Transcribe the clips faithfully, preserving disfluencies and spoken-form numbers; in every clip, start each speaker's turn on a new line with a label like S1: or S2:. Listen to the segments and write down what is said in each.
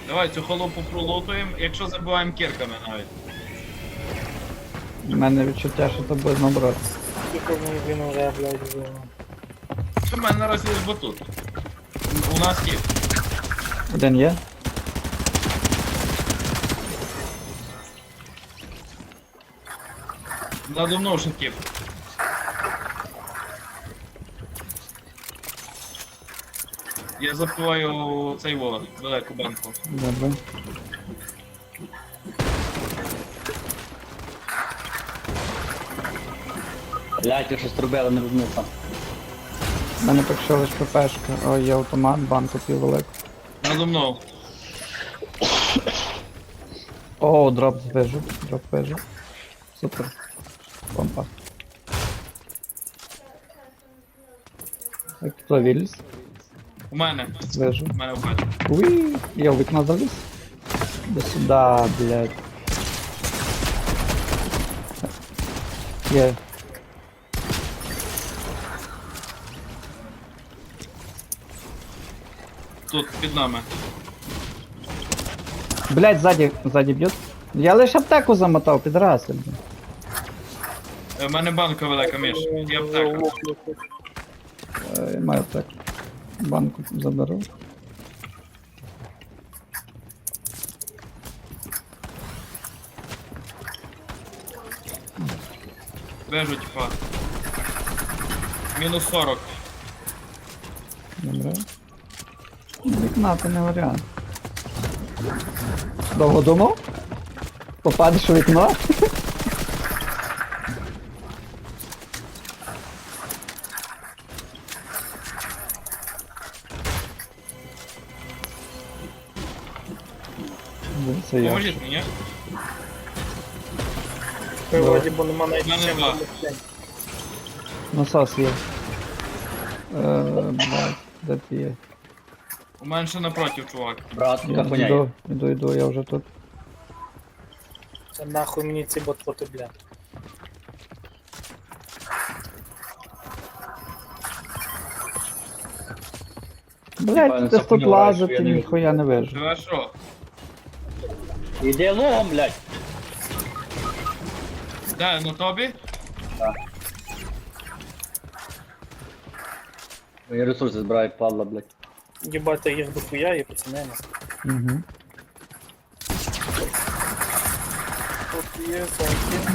S1: Давай цю холопу пролутуємо, якщо забиваємо кірками навіть.
S2: У мене відчуття, що це буде наоборот.
S3: Тільки мені він уже, блядь, вже.
S1: Що в мене наразі лиш батут. У нас є.
S2: Один є.
S1: Надо мною шутів. Я запиваю цей волос, велику банку.
S2: Добре.
S4: Блять, я щось робили, не розумів сам.
S2: У мене поки що лише ППшка. Ой, є автомат, банку пів велику.
S1: Надо мною.
S2: О, дроп звижу. Дроп вижу. Супер. Помпа. Так, хто виліз?
S1: У мене.
S2: Звижу.
S1: У мене в хаті.
S2: Уи, я в вікно заліз. До сюда, блядь. Є.
S1: Тут, під нами.
S2: Блядь, сзади, сзади б'ють. Я лише аптеку замотав, підраси. блін.
S1: У мене банка велика, Міш. І аптека.
S2: Е, Маю аптеку. Банку заберу.
S1: Вижу, типа. Мінус сорок.
S2: Добре. Вікна то не варіант. Довго думав? Попадеш у вікно? Ну, Це я.
S1: Поможіть мені.
S3: Вроді, бо нема навіть
S1: Мене
S3: чим
S1: нема.
S3: допомогти.
S2: Насос є. Е, блядь, де ти є?
S1: У мене ще напротив, чувак.
S4: Брат,
S2: Я
S4: капоняй.
S2: йду, йду, йду, я вже тут.
S3: Це нахуй мені ці ботфоти, бля.
S2: Блядь,
S4: Пане,
S2: ти тут
S4: запомнив,
S2: лазити,
S4: що я не
S2: ніхуя не вижу.
S1: Живе що?
S4: Іди логом, блять.
S1: Де, на тобі?
S4: Мої ресурси збирає падла, блять.
S3: Їбати їх дохуя і пацани.
S2: Угу.
S3: Тут є всякі.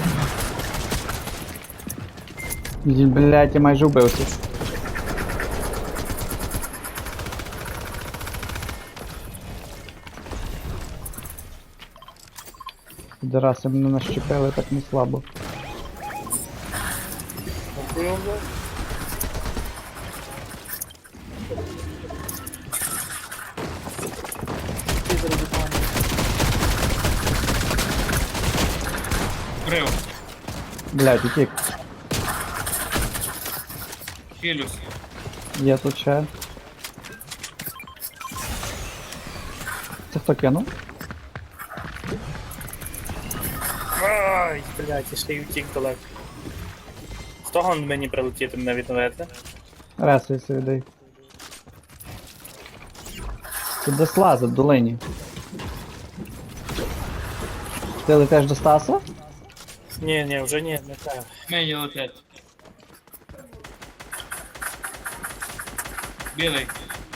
S2: Блядь, я майже вбився. Підараси мене нащепили так не слабо.
S3: Дохуя, блядь. Підер від мене.
S1: Вбрив.
S2: Блядь, утік.
S1: Хілюс.
S2: Є тут ще. Це хто кинув?
S3: Ай, блядь, я ще й утік далеко. Хто гон мені прилетіти мене відновити?
S2: Ресуйся людей. Тут десь лазить в долині. Ти летиш до Стаса?
S3: Ні, ні, вже ні, не так.
S1: Мені летять. Білий.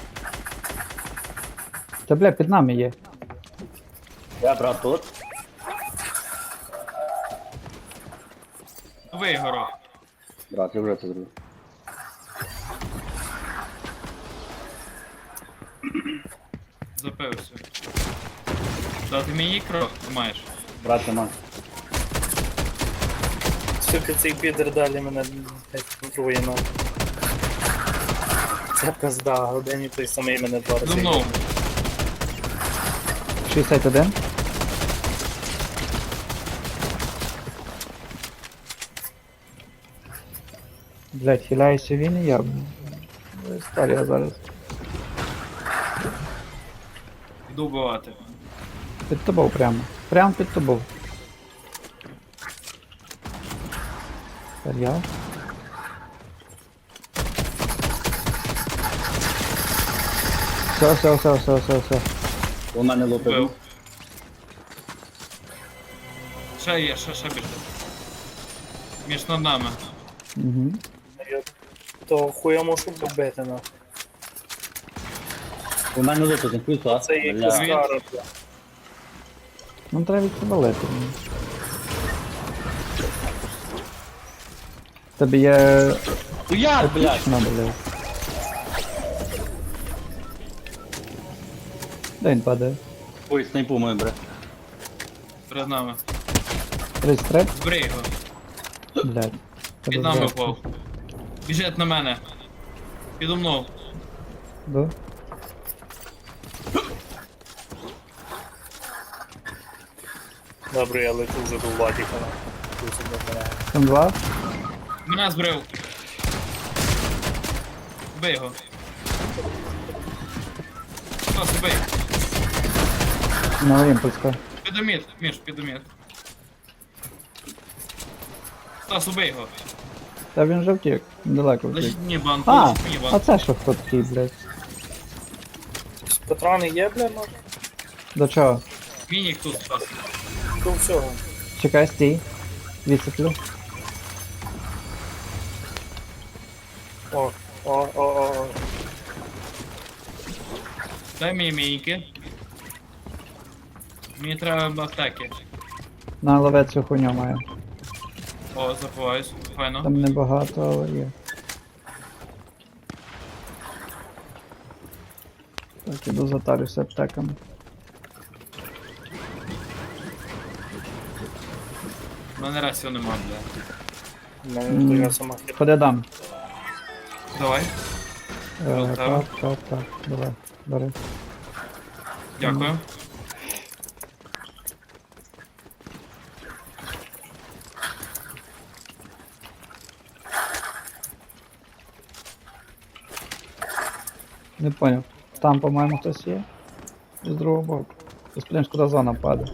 S2: Та бля, під нами є.
S4: Я, брат, тут.
S1: Вигоров.
S4: Брат, я вже це зробив.
S1: Запився. Дати мені кров маєш.
S4: Брат, нема.
S3: Сука, цей підер далі мене блядь, контрує на. Це пизда, годині той самий мене два
S1: За
S3: рази.
S1: мною.
S2: шістдесят один. Блять, хиляюся він і я. Історія зараз.
S1: Йду вбивати.
S2: Під тобою прямо. Прямо під тобою. Тепер я. Все, все, все, все, все, все.
S4: У мене лупив.
S1: Вбив. Ще є, ще, ще біжить. Між над нами.
S2: Угу.
S3: Я то хуя можу побити на.
S4: У мене лупив, не плюса.
S3: Це є
S4: Бля.
S3: кускара, бля.
S2: Ну треба відсобалити. Тобі є...
S4: Ну як, блядь?
S2: Отлично, блядь. Де він падає?
S4: Ой, снайпу мою, бре.
S1: Перед нами.
S2: тридцять три?
S1: Збрий його.
S2: Блядь.
S1: Під нами впав. Біжить на мене. Підо мною.
S2: Да?
S3: Добре, я лечу вже до Владіка. Тут себе мене.
S2: Там два?
S1: Мене збрив. Бий його. Стас, бий.
S2: На імпульска.
S1: Підоміт, Міш, підоміт. Стас, убий його.
S2: Та він же втік. Далеко втік.
S1: Лишіть мені банку,
S2: А,
S1: лишіть мені
S2: а
S1: банку.
S2: це що хто такий, блядь?
S3: Патрони є, бля, може?
S2: До чого?
S1: Мінік тут, Стас.
S3: До всього.
S2: Чекай, стій. Відсиплю.
S3: О, о, о, о, о.
S1: Дай мені мініки. Мені треба аптеки.
S2: На лове цю хуйню має.
S1: О, забуваюсь. Файно.
S2: Там небагато, але є. Так, іду затарюся аптеками.
S1: У мене расів нема, бля.
S3: У мене така сама хіба.
S2: Ходи дам.
S1: Давай.
S2: Е,
S1: Ну,
S2: так, так, так, давай, бери.
S1: Дякую.
S2: Не понял. Там, по-моєму, хтось є. І з другого боку. Ти куди зона падає.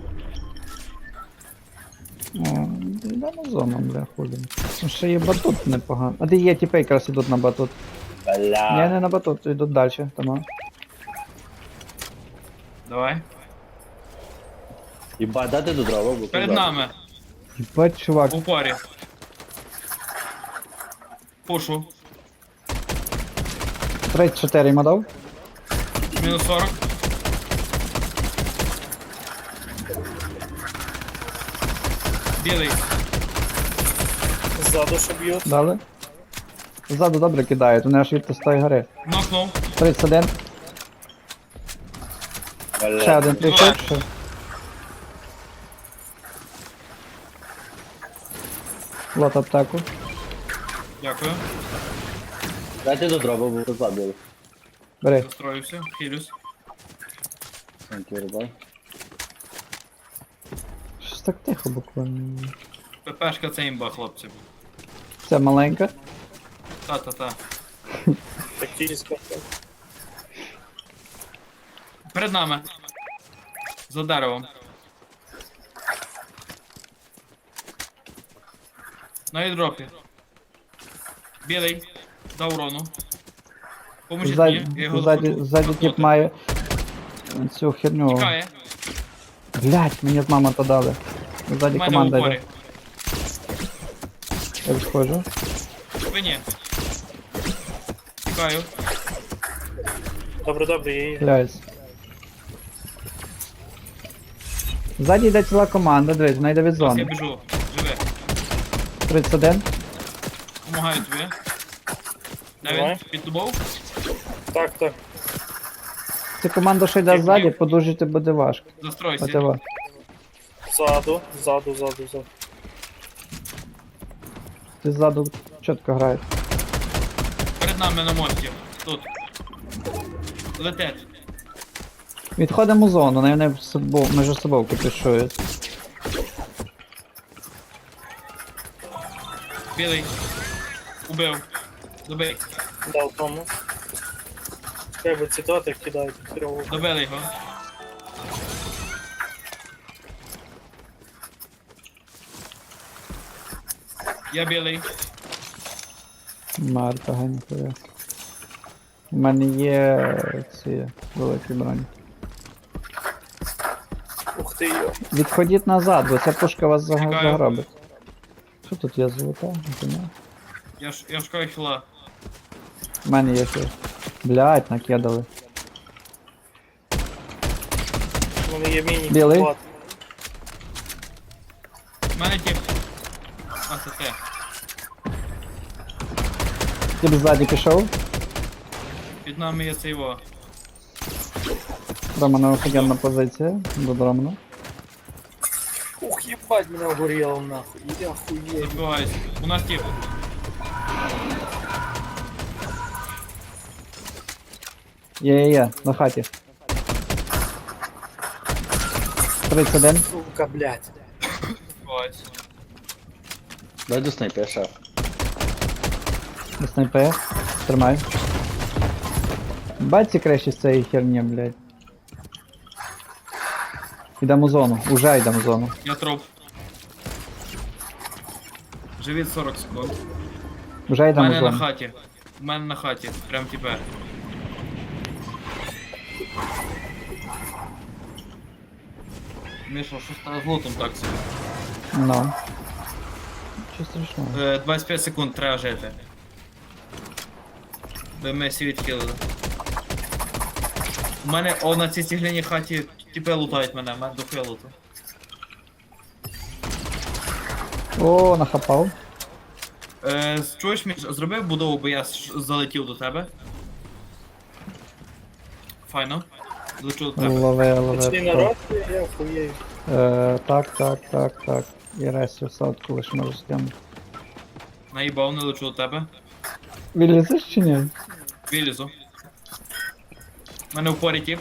S2: О, йдемо зону, бля, хулі. Ну, ще є батут непогано. А де є тіпи якраз ідуть на батут. Ні,
S4: Бля.
S2: не на батут, йдуть далі, там.
S1: Давай.
S4: Єбать, дати до дрова, бо
S1: Перед
S4: куди?
S1: нами.
S2: Єбать, чувак.
S1: В упорі. Пушу.
S2: тридцять чотири йому дав.
S1: Мінус сорок. Білий.
S3: Ззаду що б'ють.
S2: Дали. Ззаду добре кидають, вони аж від тої гори.
S1: Нокнув.
S2: тридцять один.
S4: Бля.
S2: Ще один прийшов. ще. Лот аптеку.
S1: Дякую.
S4: Дайте до дрова, бо забили.
S2: Бери.
S1: Застроївся. Хилюсь.
S4: Тhank you, рибай.
S2: Щось так тихо буквально.
S1: ППшка це імба, хлопці.
S2: Це маленька.
S1: Та-та-та.
S3: Тактическа.
S1: Перед нами. За деревом. На ідропі. Білий. Дав урону. Поможіть
S2: Ззаді,
S1: мені. Я його
S2: ззаді,
S1: хочу
S2: ззаді
S1: нокнути.
S2: тип має цю херню.
S1: Тікає.
S2: Блять, мені з мама то дали.
S1: У
S2: Ззаді
S1: мене в
S2: команда
S1: упорі.
S2: йде. Я відходжу.
S1: Спині. Тікаю.
S3: Добре, добре, я її.
S2: Блять. Ззаді йде ціла команда, дивись, вона йде від
S1: Зараз я
S2: зони.
S1: біжу. Живе.
S2: тридцять один.
S1: Помагаю тобі. Де він?
S3: Давай.
S1: Під тобою?
S3: Так, так.
S2: Ця команда, що йде ззаді, подужити буде важко.
S1: Застройся.
S2: Отева.
S3: Ззаду, ззаду, ззаду, ззаду.
S2: Ти ззаду чітко граєш.
S1: Перед нами на мості. Тут. Летить.
S2: Відходимо у зону, вони в собою, між собою кипішують.
S1: Білий. Убив. Добий.
S3: Дав тому. Треба цитати кидають. Трьох.
S1: Добили його. Я білий.
S2: Марта ганькує. У мене є ці великі броні.
S3: ти йо.
S2: Відходіть назад, бо ця пушка вас заг-
S1: Чекаю.
S2: загробить. Що тут є золота? Ніфіга.
S1: Я ж я шукаю хіла.
S2: У мене є ще. Блять, накидали.
S3: У мене є міні
S2: Білий?
S3: хват.
S1: У мене тип. А, це те.
S2: Ти б ззаді пішов.
S1: Під нами є цей во.
S2: Романа офігенна позиція. До Романа.
S3: Ух, їбать, мене огоріло нахуй. Я хуєю.
S1: Забиваюсь. У нас тип.
S2: Є, є, є, на хаті. тридцять один.
S3: Сука, блядь.
S1: Забиваюсь.
S4: Дай до снайпер, шеф.
S2: На снайпе. Тримай. Бать ці кращі з цієї херні, блядь. Йдемо в зону. Уже йдемо в зону.
S1: Я труп. Живіт сорок секунд.
S2: Вже
S1: У
S2: йдемо в
S1: мене на
S2: зону.
S1: хаті. У мене на хаті. Прям тепер. Міша, що стало з лутом так собі?
S2: Ну. Що страшного?
S1: Е, двадцять п'ять секунд треба жити. Де ми всі відхилили. У мене о на цій цегляній хаті тіпи лутають мене, мене дохуя луту.
S2: О, нахапав.
S1: Е, чуєш, Міш, зробив будову, бо я ш- залетів до тебе. Файно. Лечу до тебе.
S2: Лови,
S3: Пішли
S2: лови.
S3: народ, я хуєю.
S2: Е, так, так, так, так. І ресю садку лише можу скинути.
S1: Наїбав, не лечу до тебе.
S2: Вилізеш чи ні?
S1: Вилізу. У мене в порі тіп.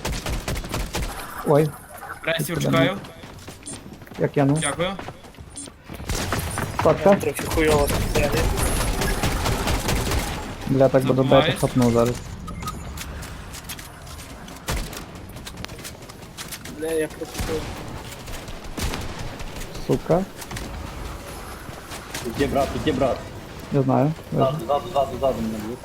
S2: Ой,
S1: Ресів чекаю.
S2: як я ну.
S1: Дякую.
S2: Садка.
S3: Трохи хуйово так.
S2: Бля, так буду
S1: Забуваюсь.
S2: бити, хапну зараз.
S3: Бля, я пропустив.
S2: Сука.
S4: Тут є брат, тут є брат.
S2: Не знаю.
S4: Ззаду, ззаду, ззаду, ззаду мене б'ють.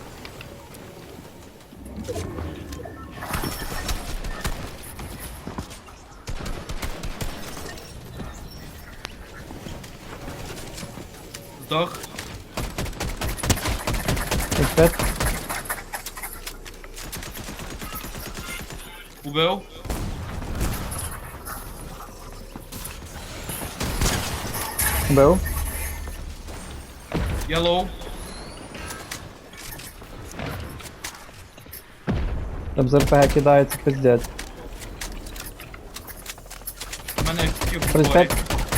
S1: Здох.
S2: Експерт.
S1: Убив.
S2: Бив.
S1: Я лоу.
S2: Там з РПГ кидається пиздець.
S1: У мене тіп в
S2: тридцять
S1: порі.
S2: п'ять.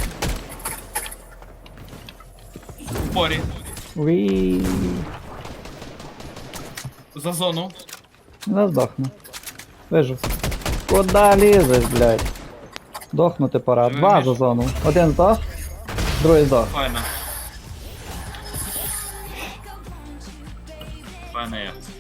S1: В порі.
S2: Уі.
S1: За зону.
S2: Не здохну. Вижу. Куда лізеш, блядь? Дохнути пора.
S1: Живий
S2: Два
S1: між.
S2: за зону. Один здох, другий здох.
S1: Файно. Файно я.